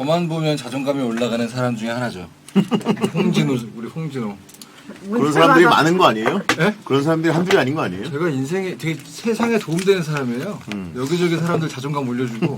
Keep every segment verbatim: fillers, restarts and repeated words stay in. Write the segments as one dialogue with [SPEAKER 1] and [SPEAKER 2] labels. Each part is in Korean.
[SPEAKER 1] 저만 보면 자존감이 올라가는 사람 중에 하나죠. 홍진호, 우리 홍진호.
[SPEAKER 2] 그런 사람들이 많은 거 아니에요?
[SPEAKER 1] 네?
[SPEAKER 2] 그런 사람들이 한둘이 아닌 거 아니에요?
[SPEAKER 1] 제가 인생에 되게 세상에 도움되는 사람이에요.
[SPEAKER 2] 음.
[SPEAKER 1] 여기저기 사람들 자존감 올려주고.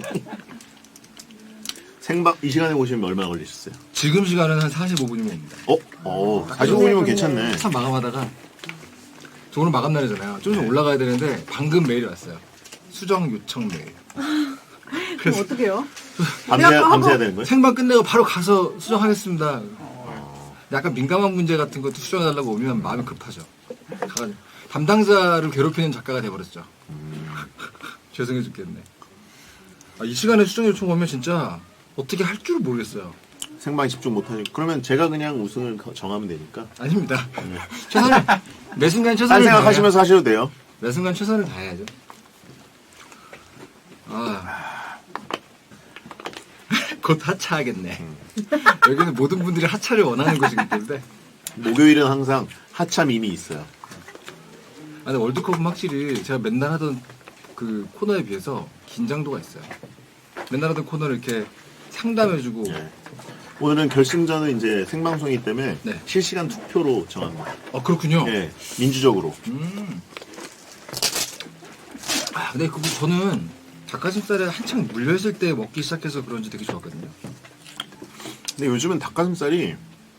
[SPEAKER 2] 생방 이 시간에 오시면 얼마나 걸리셨어요?
[SPEAKER 1] 지금 시간은 한 사십오 분이면 옵니다.
[SPEAKER 2] 어? 어, 사십오 분이면 괜찮네.
[SPEAKER 1] 한참 마감하다가 저 오늘 마감 날이잖아요. 좀 좀 올라가야 되는데 방금 메일이 왔어요. 수정 요청 메일.
[SPEAKER 3] 그럼 어떻게 해요?
[SPEAKER 2] 밤새, 밤새야 되는 거예요?
[SPEAKER 1] 생방 끝내고 바로 가서 수정하겠습니다. 약간 민감한 문제 같은 것도 수정해달라고 오면 마음이 급하죠. 가가지고 담당자를 괴롭히는 작가가 돼버렸죠. 죄송해 죽겠네. 아, 이 시간에 수정 요청 오면 진짜 어떻게 할 줄 모르겠어요.
[SPEAKER 2] 생방에 집중 못하니까. 그러면 제가 그냥 우승을 정하면 되니까.
[SPEAKER 1] 아닙니다. 최선을 매 순간
[SPEAKER 2] 딴
[SPEAKER 1] 최선을
[SPEAKER 2] 생각하시면서 하셔도 돼요.
[SPEAKER 1] 매 순간 최선을 다해야죠. 아, 곧 하차하겠네. 여기는 모든 분들이 하차를 원하는 곳이기 때문에.
[SPEAKER 2] 목요일은 항상 하차 밈이 있어요.
[SPEAKER 1] 아, 근데 월드컵은 확실히 제가 맨날 하던 그 코너에 비해서 긴장도가 있어요. 맨날 하던 코너를 이렇게 상담해주고.
[SPEAKER 2] 네. 오늘은 결승전은 이제 생방송이기 때문에
[SPEAKER 1] 네.
[SPEAKER 2] 실시간 투표로 정합니다.
[SPEAKER 1] 아, 그렇군요.
[SPEAKER 2] 예, 민주적으로.
[SPEAKER 1] 음. 아, 근데 그거 저는 닭가슴살에 한창 물려있을 때 먹기 시작해서 그런지 되게 좋았거든요.
[SPEAKER 2] 근데 요즘은 닭가슴살이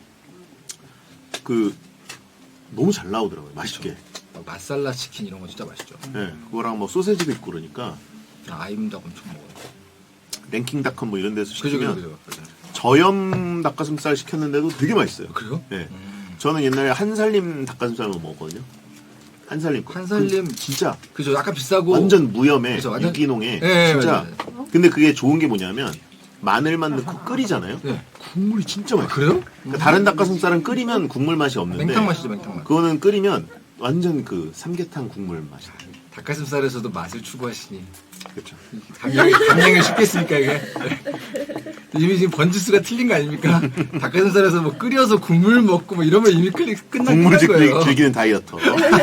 [SPEAKER 2] 그 너무 잘 나오더라고요. 맛있게.
[SPEAKER 1] 막 마살라 치킨 이런 거 진짜 맛있죠.
[SPEAKER 2] 예, 그거랑 뭐 소세지도 있고 그러니까
[SPEAKER 1] 아, 아임닭 엄청 먹어요.
[SPEAKER 2] 랭킹닷컴 뭐 이런 데서
[SPEAKER 1] 그죠,
[SPEAKER 2] 시키면
[SPEAKER 1] 그죠, 그죠. 맞아요.
[SPEAKER 2] 저염 닭가슴살 시켰는데도 되게 맛있어요.
[SPEAKER 1] 그래요?
[SPEAKER 2] 예.
[SPEAKER 1] 음.
[SPEAKER 2] 저는 옛날에 한살림 닭가슴살만 먹었거든요. 한살림. 거.
[SPEAKER 1] 한살림.
[SPEAKER 2] 그 진짜
[SPEAKER 1] 그죠, 약간 비싸고.
[SPEAKER 2] 완전 무염에
[SPEAKER 1] 그죠, 완전-
[SPEAKER 2] 유기농에
[SPEAKER 1] 예,
[SPEAKER 2] 진짜.
[SPEAKER 1] 맞아요,
[SPEAKER 2] 근데 그게 좋은 게 뭐냐면 마늘만 넣고 끓이잖아요.
[SPEAKER 1] 네.
[SPEAKER 2] 국물이 진짜 맛있어요.
[SPEAKER 1] 그래요?
[SPEAKER 2] 그러니까 다른 닭가슴살은 끓이면 국물 맛이 없는데
[SPEAKER 1] 맹탕 맛이죠, 맹탕 맛.
[SPEAKER 2] 그거는 끓이면 완전 그 삼계탕 국물 맛이 나요.
[SPEAKER 1] 닭가슴살에서도 맛을 추구하시니.
[SPEAKER 2] 그렇죠.
[SPEAKER 1] 감량이, 감량이 쉽겠습니까, 이게? 이미 지금 번지수가 틀린 거 아닙니까? 닭가슴살에서 뭐 끓여서 국물 먹고 뭐 이러면 이미 끌리, 끝난
[SPEAKER 2] 국물
[SPEAKER 1] 끝난
[SPEAKER 2] 즐기,
[SPEAKER 1] 거예요.
[SPEAKER 2] 즐기는 다이어터.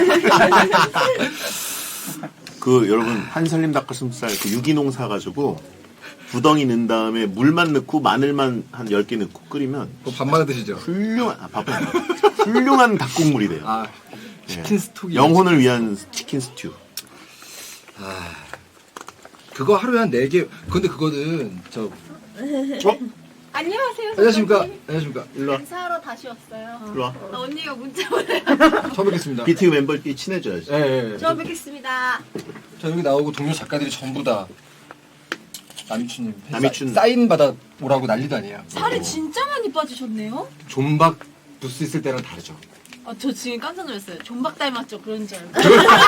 [SPEAKER 2] 그 여러분 한살림 닭가슴살 그 유기농 사가지고 구덩이 넣은 다음에 물만 넣고 마늘만 한 열 개 넣고 끓이면
[SPEAKER 1] 뭐 밥 말아 드시죠?
[SPEAKER 2] 훌륭한 아, 밥은 아니에요. 훌륭한 닭국물이 돼요.
[SPEAKER 1] 아, 치킨
[SPEAKER 2] 예.
[SPEAKER 1] 스톡이.
[SPEAKER 2] 영혼을 위한 치킨 스튜.
[SPEAKER 1] 아, 그거 하루에 한 네 개. 근데 그거는 저.
[SPEAKER 2] 어?
[SPEAKER 4] 안녕하세요.
[SPEAKER 1] 안녕하십니까?
[SPEAKER 4] 선생님.
[SPEAKER 1] 안녕하십니까?
[SPEAKER 2] 일로 와.
[SPEAKER 4] 인사하러 다시 왔어요.
[SPEAKER 2] 일로 와.
[SPEAKER 4] 아, 언니가 문자 보내.
[SPEAKER 1] 처음 뵙겠습니다.
[SPEAKER 2] 비티유 멤버끼리 친해져야지.
[SPEAKER 1] 예, 예, 예.
[SPEAKER 4] 처음 뵙겠습니다.
[SPEAKER 1] 저 여기 나오고 동료 작가들이 전부 다 남이춘님
[SPEAKER 2] 남이춘.
[SPEAKER 1] 사, 사인 받아 오라고 난리도 아니에요.
[SPEAKER 4] 살이 진짜 많이 빠지셨네요.
[SPEAKER 1] 존박 부스 있을 때랑 다르죠.
[SPEAKER 4] 아, 저 지금 깜짝 놀랐어요. 존박 닮았죠? 그런 줄 알고.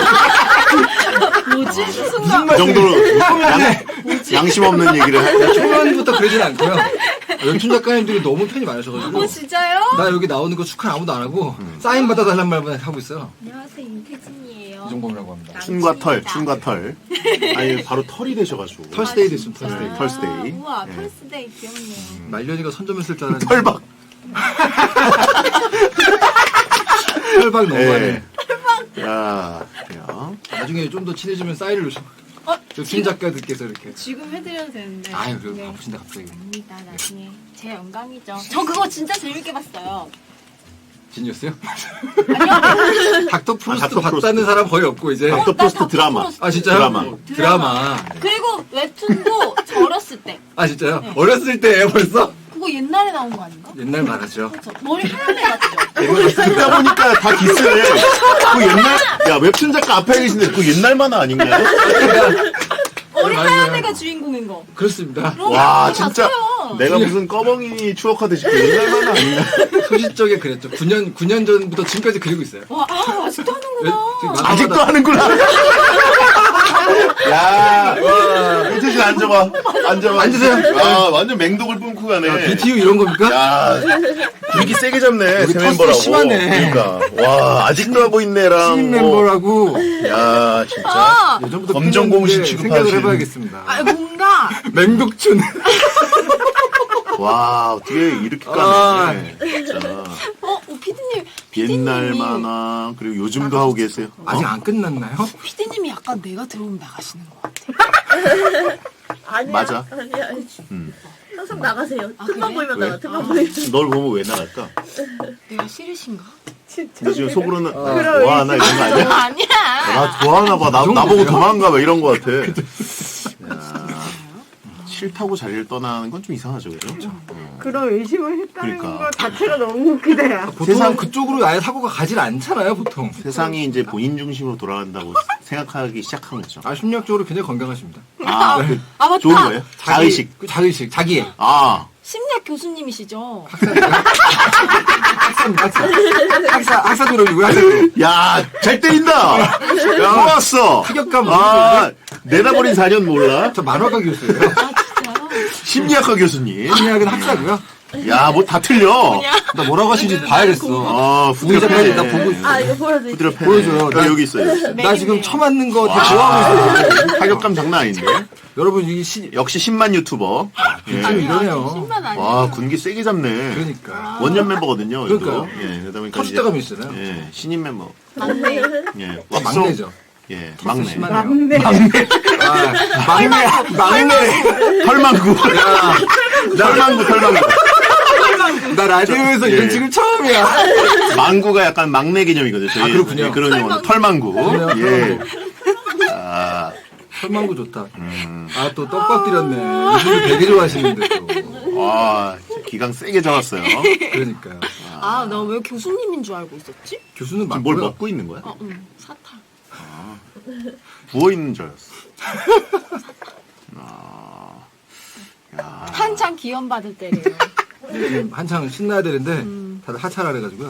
[SPEAKER 4] 뭐지? 그 순간.
[SPEAKER 2] 그 정도로 양, 양심 없는 얘기를 해.
[SPEAKER 1] 초반부터 그러진 않고요. 웹툰 작가님들이 너무 팬이 많으셔가지고
[SPEAKER 4] 어, 진짜요?
[SPEAKER 1] 나 여기 나오는 거 축하 아무도 안 하고 사인 받아달란 말만 하고 있어요.
[SPEAKER 4] 안녕하세요. 임태진이에요.
[SPEAKER 1] 이종범이라고 합니다.
[SPEAKER 2] 춘과 털, 춘과 털. 아니 바로 털이 되셔가지고.
[SPEAKER 1] 털스데이 됐음,
[SPEAKER 4] 아,
[SPEAKER 1] 털스데이.
[SPEAKER 2] 털스데이.
[SPEAKER 4] 우와,
[SPEAKER 2] 예.
[SPEAKER 4] 털스데이 귀엽네요.
[SPEAKER 1] 말년이가 선점했을 줄 알았는데
[SPEAKER 2] 털박.
[SPEAKER 1] 털박 너무하네.
[SPEAKER 2] 예. 야, 그래요.
[SPEAKER 1] 나중에 좀 더 친해지면 사인을 요청.
[SPEAKER 4] 어?
[SPEAKER 1] 웹툰 작가들께서 이렇게.
[SPEAKER 4] 지금 해드려도 되는데.
[SPEAKER 1] 아유, 그래도
[SPEAKER 4] 네.
[SPEAKER 1] 바쁘신데 갑자기.
[SPEAKER 4] 아닙니다. 나중에. 제 영광이죠. 저 그거 진짜 재밌게 봤어요.
[SPEAKER 1] 진이었어요?
[SPEAKER 4] 아니요.
[SPEAKER 1] 닥터
[SPEAKER 2] 아,
[SPEAKER 1] 프로스트
[SPEAKER 2] 닥터 프로스트.
[SPEAKER 1] 봤다는 사람 거의 없고 이제.
[SPEAKER 2] 닥터
[SPEAKER 4] 나
[SPEAKER 2] 프로스트
[SPEAKER 4] 닥터
[SPEAKER 2] 드라마.
[SPEAKER 4] 프로스트.
[SPEAKER 1] 아 진짜요?
[SPEAKER 2] 드라마.
[SPEAKER 1] 드라마.
[SPEAKER 4] 그리고 웹툰도 저 어렸을 때.
[SPEAKER 1] 아 진짜요?
[SPEAKER 4] 네.
[SPEAKER 1] 어렸을 때예요 벌써?
[SPEAKER 4] 그거 옛날에 나온 거 아닌가?
[SPEAKER 1] 옛날 말하죠.
[SPEAKER 4] 그렇죠. 머리 하얀 애 같죠?
[SPEAKER 2] 듣다 보니까 다 기스네. 그 옛날, 야, 웹툰 작가 앞에 계신데 그 옛날 만화 아닌가요?
[SPEAKER 4] 머리
[SPEAKER 1] 맞아요.
[SPEAKER 4] 하얀 애가 주인공인 거.
[SPEAKER 1] 그렇습니다.
[SPEAKER 4] 그럼
[SPEAKER 2] 와,
[SPEAKER 4] 그거
[SPEAKER 2] 진짜.
[SPEAKER 4] 봤어요.
[SPEAKER 2] 내가 무슨 꺼벙이 추억하듯이 그 옛날 만화 아닌가?
[SPEAKER 1] 소시적에 그랬죠. 구 년 구 년 전부터 지금까지 그리고 있어요.
[SPEAKER 4] 와, 아, 아직도
[SPEAKER 1] 왜-
[SPEAKER 4] 하는구나.
[SPEAKER 1] 지금 막-
[SPEAKER 2] 아직도 하는구나. 야, 와, 이태진 앉아봐. 앉아봐.
[SPEAKER 1] 앉으세요.
[SPEAKER 2] 아, 완전 맹독을 뿜고 가네.
[SPEAKER 1] 비티유 이런 겁니까?
[SPEAKER 2] 야, 분위기 세게 잡네.
[SPEAKER 1] 여기
[SPEAKER 2] 새
[SPEAKER 1] 텃세
[SPEAKER 2] 멤버라고.
[SPEAKER 1] 심하네.
[SPEAKER 2] 그러니까. 와, 아직도 하고 있네랑.
[SPEAKER 1] 신인
[SPEAKER 2] 뭐.
[SPEAKER 1] 멤버라고
[SPEAKER 2] 야, 진짜.
[SPEAKER 4] 아,
[SPEAKER 1] 예전부터
[SPEAKER 2] 검정 공신
[SPEAKER 1] 팬이었는데
[SPEAKER 2] 취급하신.
[SPEAKER 1] 생각을 해봐야겠습니다.
[SPEAKER 4] 아, 뭔가.
[SPEAKER 1] 맹독춘.
[SPEAKER 2] 와, 어떻게 이렇게
[SPEAKER 1] 아.
[SPEAKER 2] 까네. 진짜.
[SPEAKER 4] 어, 어 피디님. 피디님이,
[SPEAKER 2] 옛날 만화, 그리고 요즘도 하고 계세요.
[SPEAKER 1] 아직
[SPEAKER 2] 어?
[SPEAKER 1] 안 끝났나요?
[SPEAKER 4] 피디님이 약간 내가 들어오면 나가시는 것 같아.
[SPEAKER 3] 아니야.
[SPEAKER 2] 맞아.
[SPEAKER 3] 아니야. 아니.
[SPEAKER 2] 음.
[SPEAKER 5] 항상 나가세요.
[SPEAKER 4] 아,
[SPEAKER 5] 틈만
[SPEAKER 4] 그래?
[SPEAKER 5] 보이면
[SPEAKER 2] 왜?
[SPEAKER 5] 나가. 틈만
[SPEAKER 4] 아.
[SPEAKER 5] 보이면.
[SPEAKER 2] 널 보면 왜 나갈까?
[SPEAKER 4] 내가 싫으신가?
[SPEAKER 2] 근데 지금 속으로는
[SPEAKER 1] 어.
[SPEAKER 2] 나 좋아하나 이런 거 아니야?
[SPEAKER 4] 아니야.
[SPEAKER 2] 나 좋아하나 봐. 나,
[SPEAKER 1] 그
[SPEAKER 2] 나보고
[SPEAKER 1] 정도세요?
[SPEAKER 2] 도망가 봐 이런 거 같아. 야, 싫다고 자리를 떠나는 건 좀 이상하죠, 그죠?
[SPEAKER 3] 그런 의심을 했다는
[SPEAKER 2] 그러니까.
[SPEAKER 3] 거 자체가 너무 웃기다.
[SPEAKER 1] 보통
[SPEAKER 2] 세상-
[SPEAKER 1] 그쪽으로 아예 사고가 가질 않잖아요, 보통.
[SPEAKER 2] 세상이 이제 본인 중심으로 돌아간다고 생각하기 시작한 거죠.
[SPEAKER 1] 아, 심리학적으로 굉장히 건강하십니다.
[SPEAKER 2] 아, 그
[SPEAKER 4] 아, 맞다.
[SPEAKER 2] 좋은 거예요? 자의식.
[SPEAKER 1] 그 자의식, 자기애.
[SPEAKER 2] 아,
[SPEAKER 4] 심리학 교수님이시죠?
[SPEAKER 1] 학사, 학사. 학사, 학사 졸업이고요, 학사 졸업.
[SPEAKER 2] 야, 잘 때린다. 야, 좋았어.
[SPEAKER 1] 타격감
[SPEAKER 2] 아, 내다버린 사 년 몰라?
[SPEAKER 1] 저 만화가 교수예요.
[SPEAKER 4] 아, 진짜요?
[SPEAKER 2] 심리학과 교수님.
[SPEAKER 1] 심리학은 학사고요.
[SPEAKER 2] 야, 뭐 다 틀려.
[SPEAKER 1] 나 뭐라고 하시는지 봐야겠어.
[SPEAKER 2] 아,
[SPEAKER 1] 우리 작가님 나
[SPEAKER 2] 후드럽네.
[SPEAKER 1] 보고 있어.
[SPEAKER 5] 아, 이거 보여드릴게요.
[SPEAKER 2] 후드럽네.
[SPEAKER 1] 보여줘요.
[SPEAKER 2] 야,
[SPEAKER 1] 나-
[SPEAKER 2] 여기 있어요. 여기 있어요.
[SPEAKER 1] 나 지금
[SPEAKER 4] 매일매일.
[SPEAKER 1] 처맞는 거 다 좋아하고 있어요.
[SPEAKER 2] 타격감 장난 아닌데.
[SPEAKER 1] 여러분, 이게 시,
[SPEAKER 2] 역시 십만 유튜버. 예.
[SPEAKER 1] 좀 이러네요.
[SPEAKER 4] 십만 아니에요.
[SPEAKER 2] 와, 군기 세게 잡네.
[SPEAKER 1] 그러니까.
[SPEAKER 2] 원년 멤버거든요.
[SPEAKER 1] 그러니까요.
[SPEAKER 2] 이거. 예, 그러다 보니까
[SPEAKER 1] 터줏대감이
[SPEAKER 2] 이제-
[SPEAKER 1] 있잖아요.
[SPEAKER 2] 예, 신인 멤버.
[SPEAKER 4] 맞네.
[SPEAKER 2] 예,
[SPEAKER 1] 아, 막내죠.
[SPEAKER 2] 예, 막내.
[SPEAKER 1] 심하네요.
[SPEAKER 3] 막내.
[SPEAKER 1] 아, 막내, 막내.
[SPEAKER 2] 털망구. 야, 털망구, 털망구.
[SPEAKER 1] 나 라디오에서
[SPEAKER 2] 예.
[SPEAKER 1] 이런 지금 처음이야.
[SPEAKER 2] 망구가 약간 막내 개념이거든요. 저희
[SPEAKER 1] 아, 그렇군요.
[SPEAKER 2] 예, 그런 용어는 털망구.
[SPEAKER 1] 그래요,
[SPEAKER 2] 예. 아,
[SPEAKER 1] 설망구 좋다.
[SPEAKER 2] 음.
[SPEAKER 1] 아, 또 떡밥 드렸네. 이분들 되게 좋아하시는데 또.
[SPEAKER 2] 와, 기강 세게 잡았어요.
[SPEAKER 1] 그러니까요.
[SPEAKER 4] 아, 나 왜 교수님인 줄 알고 있었지?
[SPEAKER 1] 교수는
[SPEAKER 2] 지금 뭘
[SPEAKER 1] 맞고요.
[SPEAKER 2] 먹고 있는 거야?
[SPEAKER 4] 어, 응. 사탕.
[SPEAKER 2] 부어 있는 줄 알았어. 아, 야,
[SPEAKER 4] 한창 기원받을 때래요.
[SPEAKER 1] 지금 한창 신나야 되는데
[SPEAKER 4] 음.
[SPEAKER 1] 다들 하차를 해가지고요.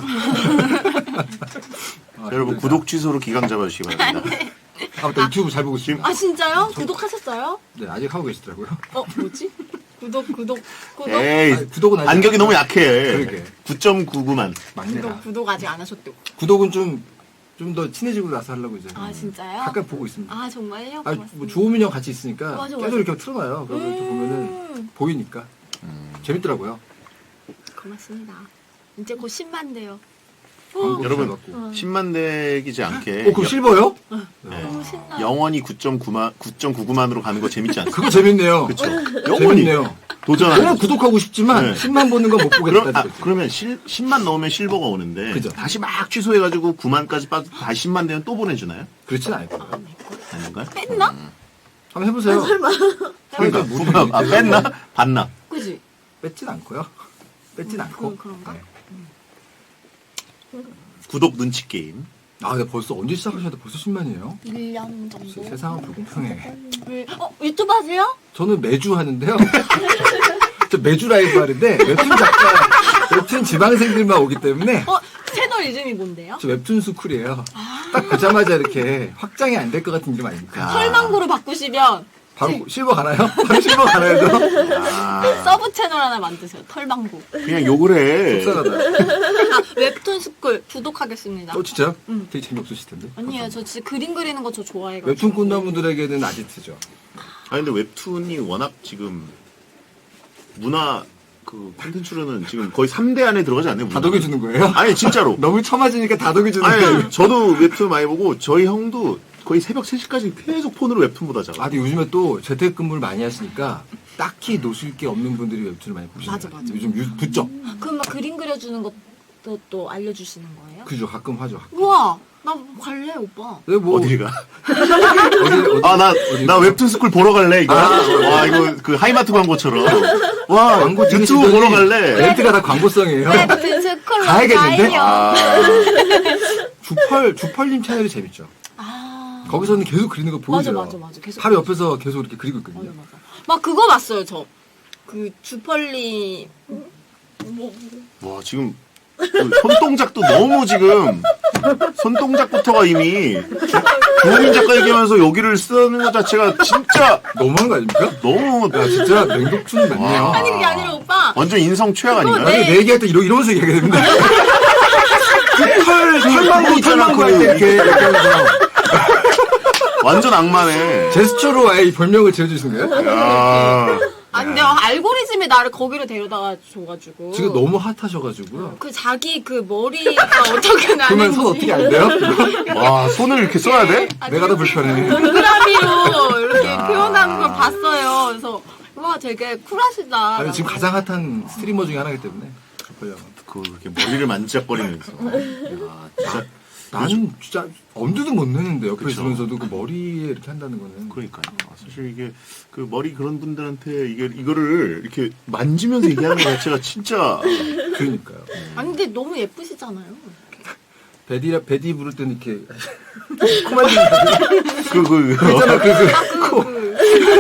[SPEAKER 1] 아,
[SPEAKER 2] 여러분
[SPEAKER 1] 힘들다.
[SPEAKER 2] 구독 취소로 기강 잡아주시기 바랍니다.
[SPEAKER 1] 아, 맞다. 유튜브 잘 보고 있습니다.
[SPEAKER 4] 아, 진짜요? 구독하셨어요?
[SPEAKER 1] 네, 아직 하고 계시더라고요.
[SPEAKER 4] 어, 뭐지? 구독, 구독, 구독.
[SPEAKER 2] 에이,
[SPEAKER 1] 아니, 구독은 아직
[SPEAKER 2] 안격이
[SPEAKER 1] 안-
[SPEAKER 2] 너무 약해.
[SPEAKER 1] 그러게.
[SPEAKER 2] 구 점 구구만.
[SPEAKER 1] 막내라.
[SPEAKER 4] 구독, 구독 아직 안 하셨대요.
[SPEAKER 1] 구독은 좀, 좀 더 친해지고 나서 하려고 이제.
[SPEAKER 4] 아, 진짜요?
[SPEAKER 1] 가끔 보고 있습니다.
[SPEAKER 4] 아, 정말요?
[SPEAKER 1] 아,
[SPEAKER 4] 고맙습니다.
[SPEAKER 1] 뭐 조우민 형 같이 있으니까
[SPEAKER 4] 맞아,
[SPEAKER 1] 계속
[SPEAKER 4] 맞아.
[SPEAKER 1] 이렇게 틀어놔요. 그래서 이렇게 보면은
[SPEAKER 4] 음,
[SPEAKER 1] 보이니까 재밌더라고요.
[SPEAKER 4] 고맙습니다. 이제 곧 십만 대요.
[SPEAKER 1] 광고
[SPEAKER 2] 여러분,
[SPEAKER 1] 잘 받고.
[SPEAKER 2] 십만 대기지 않게.
[SPEAKER 1] 어, 그럼 실버요?
[SPEAKER 2] 네.
[SPEAKER 4] 너무 신나.
[SPEAKER 2] 영원히 구 점 구만, 구 점 구구만으로 가는 거 재밌지 않습니까?
[SPEAKER 1] 그거 재밌네요.
[SPEAKER 2] 그쵸. 영원히
[SPEAKER 1] 재밌네요.
[SPEAKER 2] 도전하는
[SPEAKER 1] 너무 구독하고 싶지만
[SPEAKER 2] 네.
[SPEAKER 1] 십만 보는 건 못
[SPEAKER 2] 그럼,
[SPEAKER 1] 보겠다.
[SPEAKER 2] 아, 그러면 실, 십만 넣으면 실버가 오는데.
[SPEAKER 1] 그죠.
[SPEAKER 2] 다시 막 취소해가지고 구만까지 빠져 다시 십만 되면 또 보내주나요?
[SPEAKER 1] 그렇진 않을 거예요.
[SPEAKER 2] 아닌가요?
[SPEAKER 4] 뺐나?
[SPEAKER 1] 한번 해보세요.
[SPEAKER 2] 그러니까,
[SPEAKER 1] 못
[SPEAKER 2] 구만, 아, 뺐나? 봤나?
[SPEAKER 4] 그지?
[SPEAKER 1] 뺐진 않고요. 뺐진 않고.
[SPEAKER 4] 그, 그런가?
[SPEAKER 1] 네.
[SPEAKER 2] 구독 눈치 게임.
[SPEAKER 1] 아, 근데 벌써 언제 시작하셨는데 벌써 십만이에요?
[SPEAKER 4] 일 년 정도.
[SPEAKER 1] 세상은 불공평해.
[SPEAKER 4] 어, 유튜브 하세요?
[SPEAKER 1] 저는 매주 하는데요. 저 매주 라이브 하는데 웹툰 작가, 웹툰 지방생들만 오기 때문에
[SPEAKER 4] 어, 채널 이름이 뭔데요?
[SPEAKER 1] 저 웹툰 스쿨이에요. 딱 보자마자 이렇게 확장이 안 될 것 같은 이름 아닙니까?
[SPEAKER 4] 털망구로 바꾸시면
[SPEAKER 1] 바로 실버 가나요? 바로 실버 가나요? 저?
[SPEAKER 2] 아,
[SPEAKER 4] 서브 채널 하나 만드세요. 털망구.
[SPEAKER 2] 그냥 욕을 해.
[SPEAKER 1] 속상하다.
[SPEAKER 4] 아, 웹툰 스쿨 구독하겠습니다.
[SPEAKER 1] 어, 진짜요?
[SPEAKER 4] 음.
[SPEAKER 1] 되게 재미없으실 텐데.
[SPEAKER 4] 아니에요. 저 진짜 그림 그리는 거 저 좋아해가지고.
[SPEAKER 1] 웹툰 꿈나무들에게는 아지트죠.
[SPEAKER 2] 아니, 근데 웹툰이 워낙 지금 문화 그 콘텐츠로는 지금 거의 삼 대 안에 들어가지 않나요? 문화?
[SPEAKER 1] 다독여주는 거예요?
[SPEAKER 2] 아니, 진짜로.
[SPEAKER 1] 너무 처맞으니까 다독여주는 거예요.
[SPEAKER 2] 아니, 저도 웹툰 많이 보고 저희 형도 거의 새벽 세 시까지 계속 폰으로 웹툰 보다 자고.
[SPEAKER 1] 아, 근데 요즘에 또 재택근무를 많이 하시니까 딱히 노실 게 없는 분들이 웹툰을 많이 보시죠.
[SPEAKER 4] 맞아, 맞아.
[SPEAKER 1] 요즘 유, 붙죠?
[SPEAKER 4] 그럼 막 그림 그려주는 것도 또 알려주시는 거예요?
[SPEAKER 1] 그죠, 가끔 하죠.
[SPEAKER 4] 우와, 나 갈래 오빠.
[SPEAKER 1] 네, 뭐
[SPEAKER 2] 어디를 가?
[SPEAKER 1] 어디, 어디,
[SPEAKER 2] 아, 나,
[SPEAKER 1] 어디-
[SPEAKER 2] 나 웹툰 스쿨 보러 갈래, 이거.
[SPEAKER 1] 아.
[SPEAKER 2] 와, 이거 그 하이마트 광고처럼. 와,
[SPEAKER 1] 광고
[SPEAKER 2] 유튜브
[SPEAKER 1] 찍으시더니
[SPEAKER 2] 보러 갈래.
[SPEAKER 1] 멘트가 다 광고성이에요.
[SPEAKER 4] 웹툰 스쿨로
[SPEAKER 1] 가야겠는데?
[SPEAKER 4] 가요.
[SPEAKER 2] 아,
[SPEAKER 1] 주펄, 주펄님 채널이 재밌죠.
[SPEAKER 4] 아,
[SPEAKER 1] 거기서는 계속 그리는 거
[SPEAKER 4] 맞아,
[SPEAKER 1] 보여줘요.
[SPEAKER 4] 맞아, 맞아. 계속.
[SPEAKER 1] 바로 옆에서 계속 이렇게 그리고
[SPEAKER 4] 맞아,
[SPEAKER 1] 있거든요.
[SPEAKER 4] 맞아. 막 그거 봤어요, 저. 그 주펄리.
[SPEAKER 2] 와, 지금 그 손동작도 너무 지금 손동작부터가 이미 조민 작가 얘기하면서 여기를 쓰는 것 자체가 진짜
[SPEAKER 1] 너무한 거 아닙니까?
[SPEAKER 2] 너무
[SPEAKER 1] 야, 진짜 맹독충이 많네요.
[SPEAKER 2] 와.
[SPEAKER 4] 아니, 그게 아니라 오빠.
[SPEAKER 2] 완전 인성 최악 아닌가요?
[SPEAKER 4] 그거
[SPEAKER 1] 아니, 내 얘기할 때 이러, 이러면서 얘기하게 됩니다. 털, 털망구, 털망구 할 때 이렇게, 이렇게 하면서
[SPEAKER 2] 완전 악마네.
[SPEAKER 1] 제스처로 아예 이 별명을 지어주신 거예요?
[SPEAKER 2] 야,
[SPEAKER 4] 아니, 내가 알고리즘이 나를 거기로 데려다가 줘가지고.
[SPEAKER 1] 지금 너무 핫하셔가지고요.
[SPEAKER 4] 그 자기 그 머리가 어떻게 나는지.
[SPEAKER 1] 그러면 손 어떻게 안 돼요?
[SPEAKER 2] 와, 손을 이렇게 써야 돼?
[SPEAKER 4] 아니,
[SPEAKER 1] 내가 더 불편해.
[SPEAKER 4] 동그라미로 이렇게
[SPEAKER 2] 야.
[SPEAKER 4] 표현하는 걸 봤어요. 그래서 와 되게 쿨하시다.
[SPEAKER 1] 아니, 지금 가장 핫한 스트리머 중에 하나이기 때문에. 그걸요.
[SPEAKER 2] 그 이렇게 머리를 만지작거리면서. 야, 진짜.
[SPEAKER 1] 나는 진짜 엄두도 못 내는데 옆에
[SPEAKER 2] 그쵸.
[SPEAKER 1] 있으면서도 그 머리에 이렇게 한다는 거는.
[SPEAKER 2] 그러니까요. 아, 사실 이게 그 머리 그런 분들한테 이게 이거를 이렇게 만지면서 얘기하는 것 자체가 진짜
[SPEAKER 1] 그러니까요.
[SPEAKER 4] 아니 근데 너무 예쁘시잖아요.
[SPEAKER 1] 베디라 베디 부를 때는 이렇게 코만 지는
[SPEAKER 2] 그그 그,
[SPEAKER 1] 있잖아 그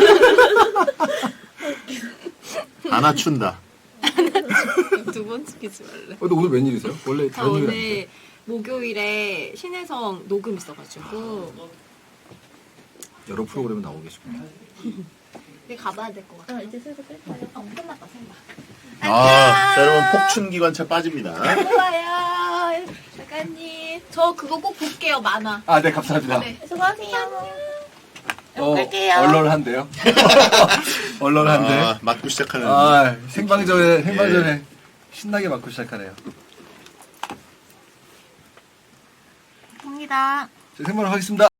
[SPEAKER 1] 그.
[SPEAKER 2] 안 맞춘다.
[SPEAKER 4] 두 번 시키지 말래.
[SPEAKER 1] 어, 근데 오늘 웬일이세요? 원래
[SPEAKER 4] 저
[SPEAKER 1] 다른 일이
[SPEAKER 4] 오늘 목요일에 신혜성 녹음 있어가지고
[SPEAKER 1] 여러 프로그램에 나오고 계시군요.
[SPEAKER 4] 근데 가봐야 될 것 같아. 이제 슬슬 끌까요? 어, 끝났다 생각.
[SPEAKER 2] 아, 자 여러분 폭춘 기관차 빠집니다.
[SPEAKER 4] 좋아요, 작가님. 저 그거 꼭 볼게요. 만화.
[SPEAKER 1] 아, 네 감사합니다.
[SPEAKER 4] 네, 수고하세요.
[SPEAKER 1] 어,
[SPEAKER 4] 볼게요.
[SPEAKER 1] 얼얼한데요? 얼얼한데.
[SPEAKER 2] 아, 맞고 시작하는.
[SPEAKER 1] 아, 생방전에 생방전에 신나게 맞고 시작하네요.
[SPEAKER 4] 갑니다.
[SPEAKER 1] 자, 생방을 하겠습니다.